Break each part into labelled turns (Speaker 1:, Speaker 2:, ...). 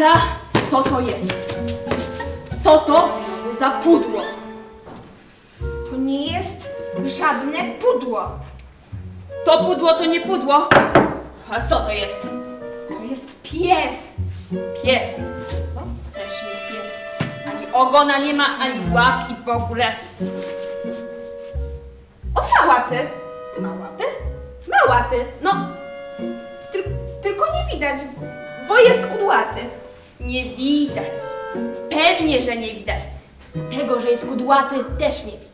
Speaker 1: Pawla, co to jest? Co to za pudło?
Speaker 2: To nie jest żadne pudło.
Speaker 1: To pudło to nie pudło. A co to jest?
Speaker 2: To jest pies.
Speaker 1: Pies. Co straszny pies. Ani ogona nie ma, ani łap i w ogóle.
Speaker 2: On ma łapy.
Speaker 1: Ma łapy?
Speaker 2: Ma łapy. No, tylko nie widać, bo jest kudłaty.
Speaker 1: Nie widać. Pewnie, że nie widać. Tego, że jest kudłaty, też nie widać.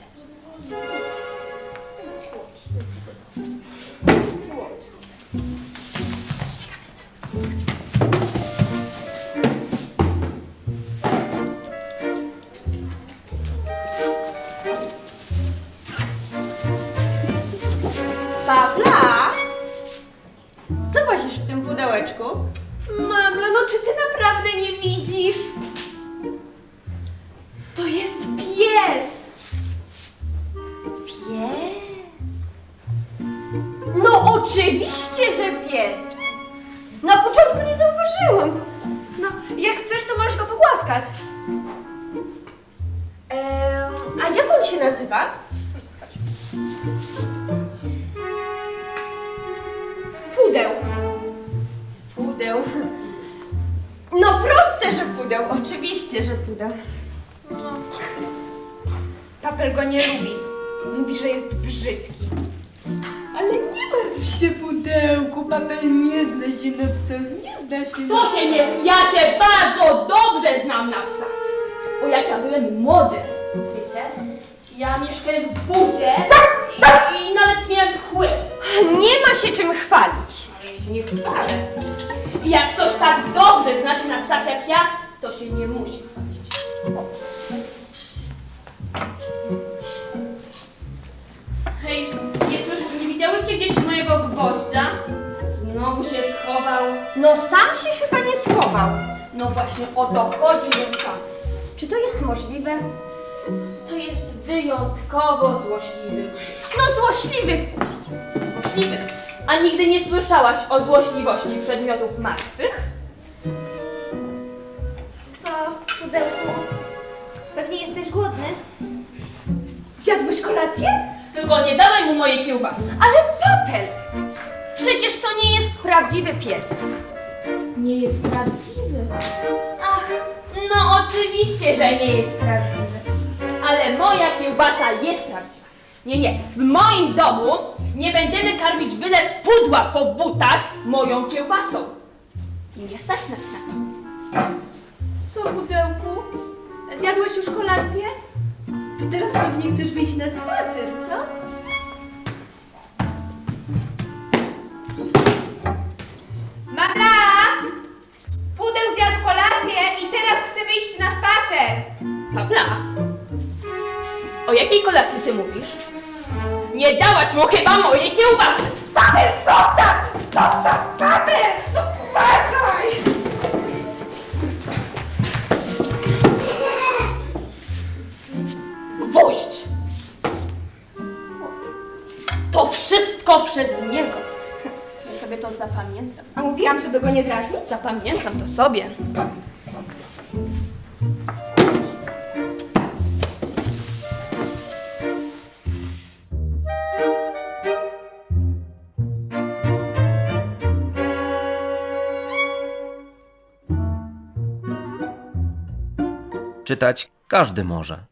Speaker 2: Pawla?
Speaker 1: Co włazisz w tym pudełeczku?
Speaker 2: Mamla, no czy ty naprawdę nie widzisz? To jest pies.
Speaker 1: Pies? No oczywiście, że pies. Na początku nie zauważyłam.
Speaker 2: No, jak chcesz, to możesz go pogłaskać. A jak on się nazywa? Pudeł.
Speaker 1: Pudeł. No proste, że pudeł. Oczywiście, że pudeł.
Speaker 2: No. Papel go nie lubi. Mówi, że jest brzydki.
Speaker 3: Ale nie martw się, pudełku, Papel nie zna się na psach, nie zna się na
Speaker 1: To się nie... Ja się bardzo dobrze znam na psach. Bo jak ja byłem młody, wiecie, ja mieszkałem w budzie i nawet miałem pchły.
Speaker 2: Nie ma się czym chwalić.
Speaker 1: Ale ja się nie chwalę. I jak ktoś tak dobrze zna się na psach jak ja, to się nie musi chwalić. Hej, nie widziałyście gdzieś mojego gwoździa? Znowu się schował.
Speaker 2: No sam się chyba nie schował.
Speaker 1: No właśnie o to chodzi, że sam.
Speaker 2: Czy to jest możliwe?
Speaker 1: To jest wyjątkowo złośliwy.
Speaker 2: No złośliwy gwóźdź.
Speaker 1: Złośliwy. A nigdy nie słyszałaś o złośliwości przedmiotów martwych?
Speaker 2: Co, pudełku? Pewnie jesteś głodny? Zjadłeś kolację?
Speaker 1: Tylko nie dawaj mu mojej kiełbasy.
Speaker 2: Ale Papel! Przecież to nie jest prawdziwy pies.
Speaker 1: Nie jest prawdziwy. Ach, no oczywiście, że nie jest prawdziwy. Ale moja kiełbasa jest prawdziwa. Nie. W moim domu nie będziemy karmić byle pudła po butach moją kiełbasą. Nie stać nas na to.
Speaker 3: Co, pudełku? Zjadłeś już kolację? Ty teraz pewnie chcesz wyjść na spacer, co?
Speaker 2: Mama! Pudeł zjadł kolację i teraz chce wyjść na spacer.
Speaker 1: Pawla, o jakiej kolacji ty mówisz? Nie dałaś mu chyba mojej kiełbasy!
Speaker 2: Papel, zostaw! Zostaw, Papel! No uważaj!
Speaker 1: Gwoźdź! To wszystko przez niego. Ja sobie to zapamiętam.
Speaker 2: A mówiłam, żeby go nie drażnić?
Speaker 1: Zapamiętam to sobie.
Speaker 4: Czytać każdy może.